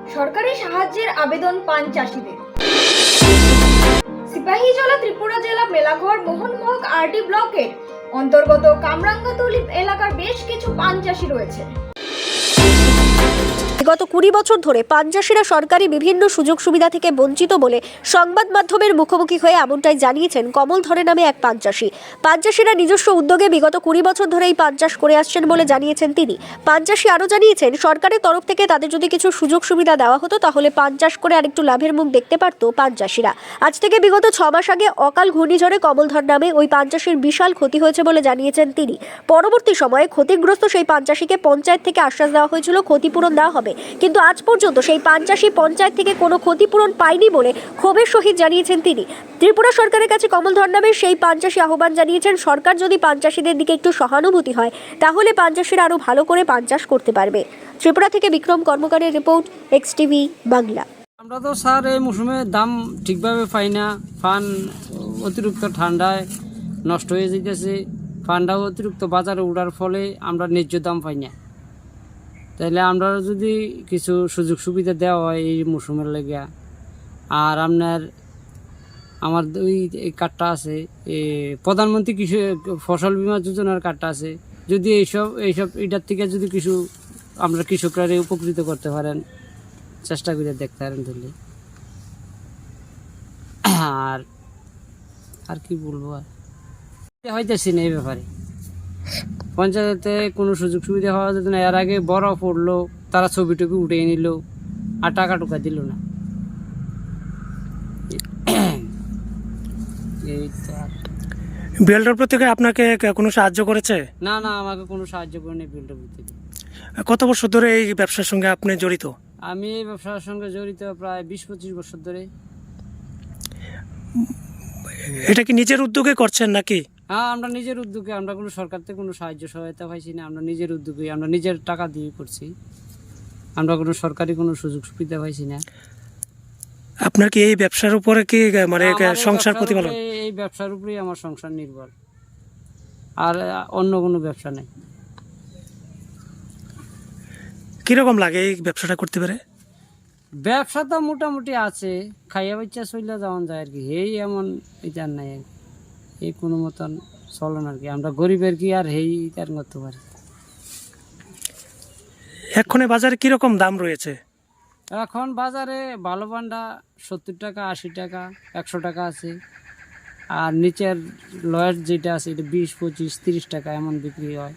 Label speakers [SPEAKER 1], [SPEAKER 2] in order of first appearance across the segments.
[SPEAKER 1] সরকারি সাহায্যের আবেদন পান চাষিদের। সিপাহীজলা ত্রিপুরা জেলা মেলাঘর মোহনমোহক আরডি ব্লকের অন্তর্গত কামরাঙ্গাতলি এলাকার বেশ কিছু পান চাষি রয়েছে।
[SPEAKER 2] গত 20 বছর ধরে পান চাষিরা সরকারি বিভিন্ন সুযোগ সুবিধা থেকে বঞ্চিত বলে সংবাদ মাধ্যমের মুখোমুখি হয়ে এমনটাই জানিয়েছেন কমল ধরে নামে এক পান চাষি। পান চাষিরা নিজস্ব উদ্যোগে বিগত 20 বছর ধরেই পান চাষ করে আসছেন বলে জানিয়েছেন তিনি। পান চাষি আরও জানিয়েছেন, সরকারের তরফ থেকে তাদের যদি কিছু সুযোগ সুবিধা দেওয়া হতো তাহলে পান চাষ করে আরেকটু লাভের মুখ দেখতে পারত পান চাষিরা। আজ থেকে বিগত 6 মাস আগে অকাল ঘূর্ণিঝড়ে কমলধর নামে ওই পান চাষির বিশাল ক্ষতি হয়েছে বলে জানিয়েছেন তিনি। পরবর্তী সময়ে ক্ষতিগ্রস্ত সেই পান চাষিকে পঞ্চায়েত থেকে আশ্বাস দেওয়া হয়েছিল ক্ষতিপূরণ দেওয়া হবে, কিন্তু আজ পর্যন্ত সেই পান চাষি পঞ্চায়েত থেকে কোনো ক্ষতিপূরণ পায়নি বলে ক্ষোভের সহিত জানিয়েছেন তিনি। ত্রিপুরা সরকারের কাছে কমলধর নামের সেই পান চাষি আহ্বান জানিয়েছেন, সরকার যদি পান চাষিদের দিকে একটু সহানুভূতি হয় তাহলে পান চাষিরা আরও ভালো করে পান চাষ করতে পারবে। ত্রিপুরা থেকে বিক্রম কর্মকারের রিপোর্ট, এক্সটিভি বাংলা।
[SPEAKER 3] আমরা তো স্যার এই মৌসুমে দাম ঠিকভাবে পাই না। পান অতিরিক্ত ঠান্ডায় নষ্ট হয়ে যেতেছে, পানটাও অতিরিক্ত বাজারে উঠার ফলে আমরা ন্যায্য দাম পাই না। তাইলে আমরা যদি কিছু সুযোগ সুবিধা দেওয়া হয় এই মৌসুমের লেগে, আর আমার ওই কার্ডটা আছে, প্রধানমন্ত্রী কৃষি ফসল বীমা যোজনার কার্ডটা আছে, যদি এইসব এটার থেকে যদি কিছু আমরা কৃষকরা উপকৃত করতে পারেন, চেষ্টা করে দেখতে পারেন তাহলে। আর কি বলবো, আর হইতেছি না এই ব্যাপারে। পঞ্চায়েতে কোনো সুযোগ সুবিধা হওয়া যেত না। এর আগে বড় পড়লো, তারা ছবি টবি উঠে নিল আর টাকা টুকা দিল না। এই তো আর
[SPEAKER 4] বিএলডব্লিউ থেকে আপনাকে কোনো সাহায্য করেছে?
[SPEAKER 3] না, আমাকে কোনো সাহায্য করেনি বিএলডব্লিউ থেকে।
[SPEAKER 4] কত বছর ধরে এই ব্যবসার সঙ্গে আপনি জড়িত?
[SPEAKER 3] আমি এই ব্যবসার সঙ্গে জড়িত প্রায় 20-25 বছর ধরে।
[SPEAKER 4] এটা কি নিজের উদ্যোগে করছেন নাকি?
[SPEAKER 3] হ্যাঁ, আমরা নিজের উদ্যোগে, আমরা কোনো সরকার থেকে কোনো সাহায্য সহায়তা পাইছি না। আমরা নিজের উদ্যোগে, আমরা নিজের টাকা দিয়ে করছি। আমরা কোনো সরকারি কোনো সুযোগ সুবিধা পাইছি না।
[SPEAKER 4] আপনার কি এই ব্যবসার উপরে কি মানে সংসার প্রতিপালন?
[SPEAKER 3] এই ব্যবসার উপরেই আমার সংসার নির্ভর, আর অন্য কোনো ব্যবসা নেই।
[SPEAKER 4] কিরকম লাগে এই ব্যবসাটা করতে পারে?
[SPEAKER 3] ব্যবসা তো মোটামুটি আছে, খাইয়া বাচ্চা চলে যাওয়া যায় আর কি। এই এমন এটা নাই আর কি, এই কোনো মতন চলন আর কি। আমরা গরিবের কি আর তার করতে পারি।
[SPEAKER 4] এক্ষণে বাজারে কিরকম দাম রয়েছে?
[SPEAKER 3] এখন বাজারে ভালো পানটা 70 টাকা, 80 টাকা, 100 টাকা আছে। আর নিচের লয়ের যেটা আছে এটা 20, 25, 30 টাকা এমন বিক্রি হয়।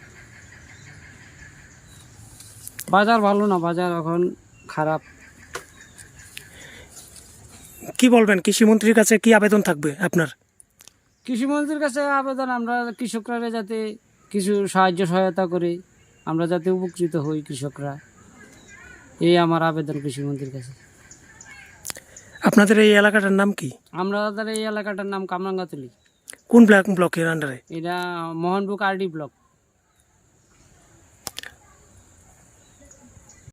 [SPEAKER 3] বাজার ভালো না, বাজার এখন খারাপ।
[SPEAKER 4] কি বলবেন, কৃষিমন্ত্রীর কাছে কি আবেদন থাকবে আপনার?
[SPEAKER 3] কৃষিমন্ত্রীর কাছে আবেদন, আমরা কৃষকরা যাতে কিছু সাহায্য সহায়তা করে আমরা যাতে উপকৃত হই কৃষকরা, এই আমার আবেদন কৃষিমন্ত্রীর কাছে।
[SPEAKER 4] আপনাদের এই এলাকাটার নাম কি?
[SPEAKER 3] আমাদের এই এলাকাটার নাম কামরাঙ্গাতলি।
[SPEAKER 4] কোন ব্লকের আন্ডারে?
[SPEAKER 3] এটা মোহনমোহক আরডি ব্লক।